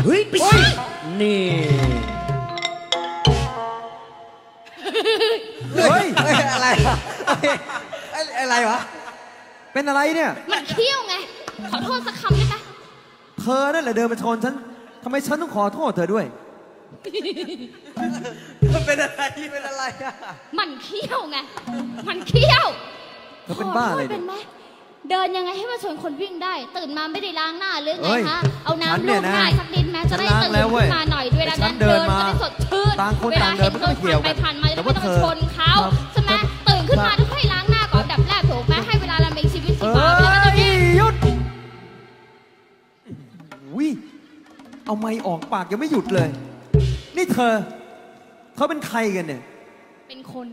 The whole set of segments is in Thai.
เฮ้ยนี่เฮ้ยอะไรอะไรวะเป็นอะไรเนี่ยมันเขี้ยวไงขอโทษสักคำได้ไหมเธอนั่นแหละเดินมาชนฉันทำไมฉันต้องขอโทษเธอด้วยมันเป็นอะไรอะมันเขี้ยวไงมันเขี้ยวเธอเป็นบ้าอะไรเป็นไหมเดินยังไงให้มาชนคนวิ่งได้ตื่นมาไม่ได้ล้างหน้าหรือไงคะเอาน้ำลูบหน้าสักนิดแม้จะได้ตื่นขึ้นมาหน่อยด้วยนะเดินจะได้สดชื่นเวลาเห็นคนผ่านไปผ่านมาจะไม่ต้องชนเขาใช่ไหมตื่นขึ้นมาต้องให้ล้างหน้าก่อนดับแรกถูกไหมให้เวลาเรามีชีวิตชีวาไปแล้วหยุดวิเอาไม้ออกปากยังไม่หยุดเลยนี่เธอเป็นใครกันเนี่ยเป็นคน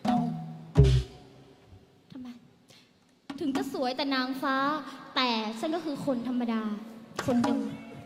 ทำไมถึงจะสวยแต่นางฟ้าแต่ฉันก็คือคนธรรมดาคนหนึ่ง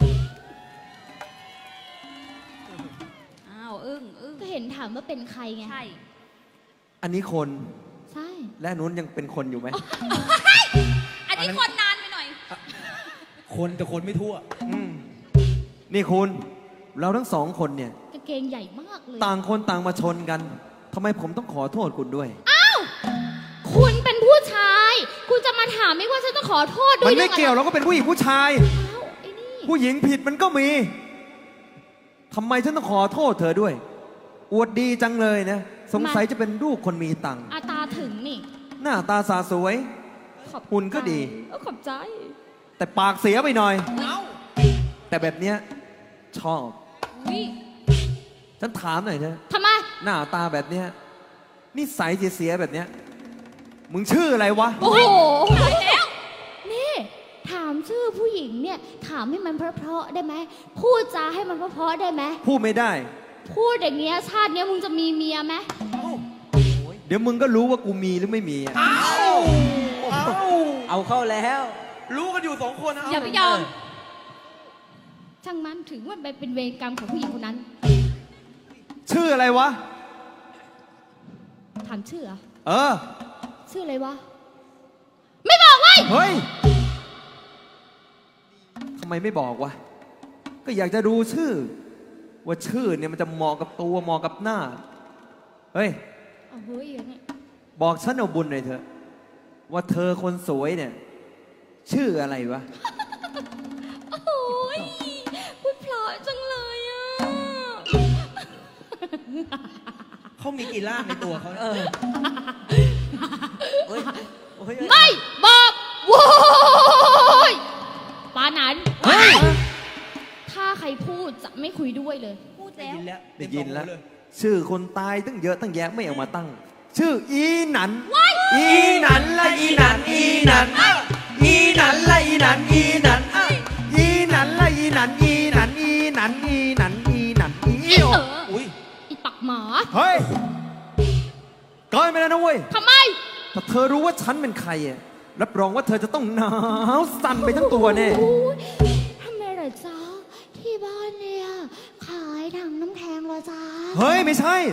อ้าวอึ้งก็เห็นถามว่าเป็นใครไงใช่อันนี้คนใช่และนู้นยังเป็นคนอยู่ไหมอันนี้คนนานไปหน่อยคนแต่คนไม่ทั่วนี่คุณเราทั้งสองคนเนี่ยกางเกงใหญ่มากเลยต่างคนต่างมาชนกันทำไมผมต้องขอโทษคุณด้วยอ้าวคุณเป็นผู้ชายคุณจะมาถามไม่ว่าฉันต้องขอโทษด้วยมันไม่เกี่ยวเราก็เป็นผู้หญิงผู้ชายผู้หญิงผิดมันก็มีทำไมฉันต้องขอโทษเธอด้วยอวดดีจังเลยนะสงสัยจะเป็นลูกคนมีตังค์ตาถึงนี่หน้าตาสาสวยหุ่นก็ดีขอบใจแต่ปากเสียไปหน่อยแต่แบบเนี้ยชอบฉันถามหน่อยนะทำไมหน้าตาแบบเนี้ยนิสัยเสียแบบเนี้ยมึงชื่ออะไรวะโอ้โหแล้วนี่ถามชื่อผู้หญิงเนี่ยถามให้มันเพราะๆได้ไหมพูดจาให้มันเพราะๆได้ไหมพูดไม่ได้พูดอย่างเงี้ยชาติเนี้ยมึงจะมีเมียไหมเดี๋ยวมึงก็รู้ว่ากูมีหรือไม่มีเอาเข้าแล้วรู้กันอยู่2 คนอย่าไปยอมช่างมันถึงว่าเป็นเวรกรรมของผู้หญิงคนนั้นชื่ออะไรวะถามชื่อชื่ออะไรวะไม่บอกเว้ยเฮ้ยทำไมไม่บอกวะก็อยากจะดูชื่อว่าชื่อเนี่ยมันจะเหมาะกับตัวเหมาะกับหน้าเฮ้ยบอกฉันเอาบุญหน่อยเถอะว่าเธอคนสวยเนี่ยชื่ออะไรวะโอ้ยพูดเพราะจังเลยอ่ะเขามีกี่ร่างในตัวเขาไม่บอกโว้ยปานั้นถ้าใครพูดจะไม่คุยด้วยเลยพูดแล้วได้ยินแล้วชื่อคนตายตั้งเยอะตั้งแยะไม่เอามาตั้งชื่ออีหนันอีหนันละอีหนันอีหนันอีหนันละอีหนันอีหนันอีหนันละอีหนันอีหนันอีหนันอีหนันอีหนันอีอุ้ยอีปักหมาเฮ้ยเกินไปแล้วนะเว้ยทำไมถ้าเธอรู้ว่าฉันเป็นใครรับรองว่าเธอจะต้องหนาวสั่นไปทั้งตัวแน่ทำไมเหรอจ๊ะที่บ้านเนี่ยขายถังน้ำแข็งเหรอจ๊ะเฮ้ยไม่ใช่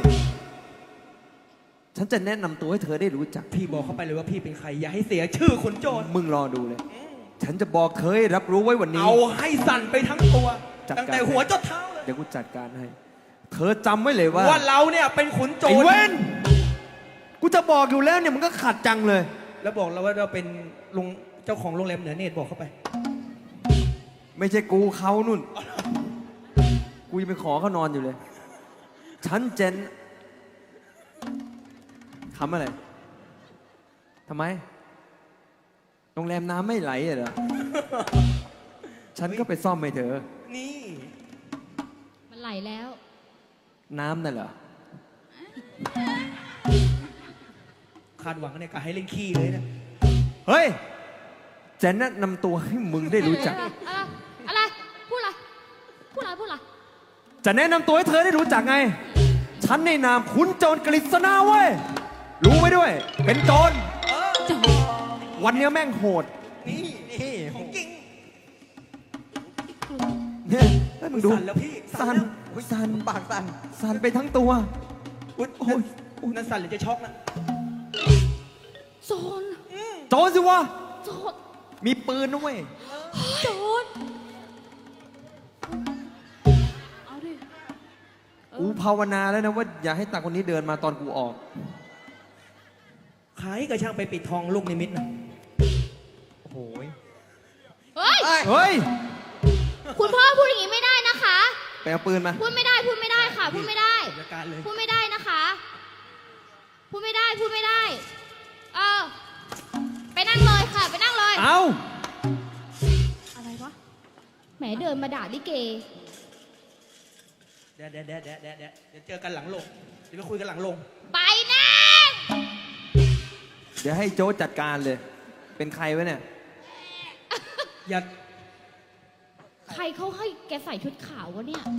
ฉันจะแนะนำตัวให้เธอได้รู้จักพี่บอกเข้าไปเลยว่าพี่เป็นใครอย่าให้เสียชื่อคนโจรมึงรอดูเลยฉันจะบอกเธอให้รับรู้ไว้วันนี้เอาให้สั่นไปทั้งตัวตั้งแต่หัวจนเท้าเลยเดี๋ยวกูจัดการให้เธอจำไว้เลยว่าเราเนี่ยเป็นขุนโจรไอ้เว้นกูจะบอกอยู่แล้วเนี่ยมันก็ขัดจังเลยแล้วบอกเราว่าเราเป็นลุงเจ้าของโรงแรมเหนือเนตรบอกเข้าไปไม่ใช่กูเขานุ่นกูยังไปขอเขานอนอยู่เลยฉันเจนทำอะไรทำไมโรงแรมน้ำไม่ไหลเหรอฉันก็ไปซ่อมให้เธอนี่มันไหลแล้วน้ำนั่นเหรอคาดหวังเนี่ยกะให้เล่นขี้เลยนะเฮ้ยจะแนะนำตัวให้มึงได้รู้จักอะไรพูดอะไรจะแนะนำตัวให้เธอได้รู้จักไงฉันในนามขุนโจรกฤษณาเว้ยรู้ไว้ด้วยเป็นโจรวันนี้แม่งโหดนี่ของจริงเนี่ยให้มึงดูแล้วพี่สั่นปากสั่นไปทั้งตัวโอ้ยนั่นสั่นหรือจะช็อกนะโจรสิวะมีปืนนะเว้ยโจรกูภาวนาแล้วนะว่าอย่าให้ตาคนนี้เดินมาตอนกูออกใครก็ช่างไปปิดทองลูกนิมิตนะโอ้โหเฮ้ยเฮ้ยคุณพ่อพูดอย่างนี้ไม่ได้นะคะไปเอาปืนมาพูดไม่ได้ค่ะ พูดไม่ได้จัดการเลยพูดไม่ได้นะคะ พูดไม่ได้ ไปนั่งเลยค่ะ ไปนั่งเลยเอาอะไรวะ แหมเดินมาด่าลิเกเดี๋ยวเจอกันหลังลงเดี๋ยวไปคุยกันหลังลงไปนั่งเดี๋ยวให้โจ้จัดการเลย เป็นใครวะเนี่ยอย่าใครเขาให้แกใส่ชุดขาววะเนี่ย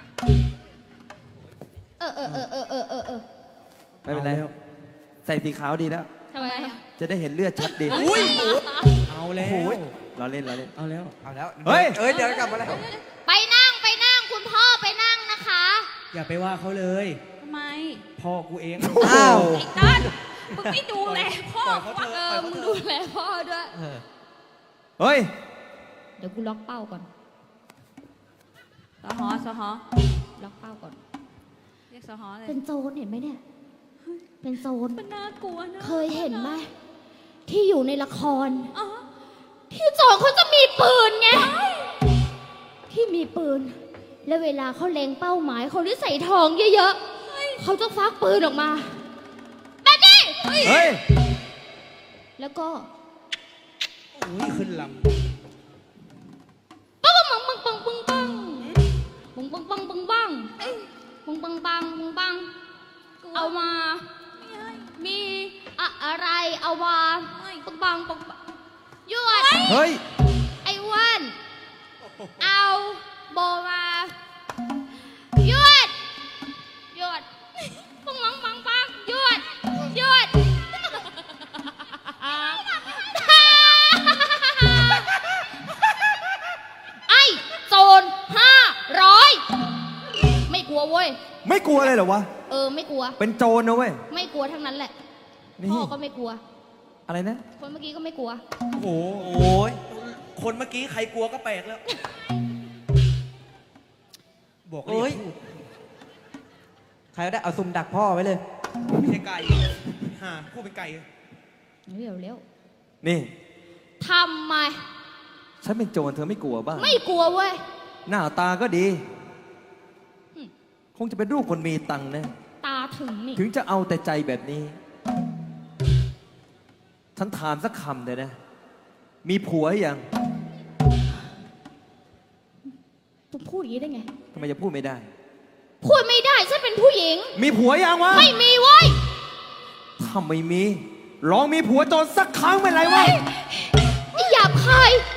เออไม่เป็นไรอาแล้วใส่สีขาวดีแล้วทำไมอะจะได้เห็นเลือดชัดดีอุ้ยเอาแล้วเราเล่นเอาแล้วเอาแล้วเฮ้ยเดี๋ยวกลับมาแล้วไปนั่ง คุณพ่อไปนั่งนะคะอย่าไปว่าเขาเลยทำไมพ่อกูเองอ้าวไอ้ต้นมึงไม่ดูแลพ่อปล่อยเขาเถอะมึงดูแลพ่อด้วยเฮ้ยเดี๋ยวกูล็อกเป้าก่อนสหอล็อกเป้าก่อนเรียกสหอเลยเป็นโจรเห็นไหมเนี่ย เป็นโจรมันน่ากลัวนะเคยเห็นไหมที่อยู่ในละครอ๋อที่โจรเขาจะมีปืนไง ที่มีปืน แล้วเวลาเขาเล็งเป้าหมายเขาได้ใส่ทองเยอะๆเขาจะฟักปืนออกมาแบบนี้เฮ้ยแล้วก็อุ้ยขึ้นลปังปังปังปังปังปังปังปังปังปังปังปังปังปังปังปังเอามาไม่ให้มีอะไรเอามาปังปังปังปังหยวดเฮ้ยไอ้อ้วันเอาโบมาหยวดปังปังปังปังหยวดไอ้โจร500ไม่กลัวเว้ยไม่กลัวเลยเหรอวะไม่กลัวเป็นโจรนะเว้ยไม่กลัวทั้งนั้นแหละนี่พ่อก็ไม่กลัวอะไรนะคนเมื่อกี้ก็ไม่กลัวำโอ้โหโอ้ยคนเมื่อกี้ใครกลัวก็แปลกแล้ว บอกเลโอ้ยยพูดใครก็ได้เอาซุ่มดักพ่อไว้เลยไม่ใช่ไก่ห่าพูดเป็นไก่เร็วนี่ทำไมฉันเป็นโจรเธอไม่กลัวบ้างไม่กลัวเว้ยหน้าตาก็ดีอืมคงจะเป็นรูปคนมีตังค์นะตาถึงนี่ถึงจะเอาแต่ใจแบบนี้ ฉันถามสักคำเลยนะ มีผัวหรือยังต้องพูดอย่างนี้ได้ไงทำไมจะพูดไม่ได้พูดไม่ได้ฉันเป็นผู้หญิงมีผัวยังวะไม่มีเว้ยถ้าไม่มี ลองมีผัวโจรสักครั้งเป็นไรวะไอ้หยาบคาย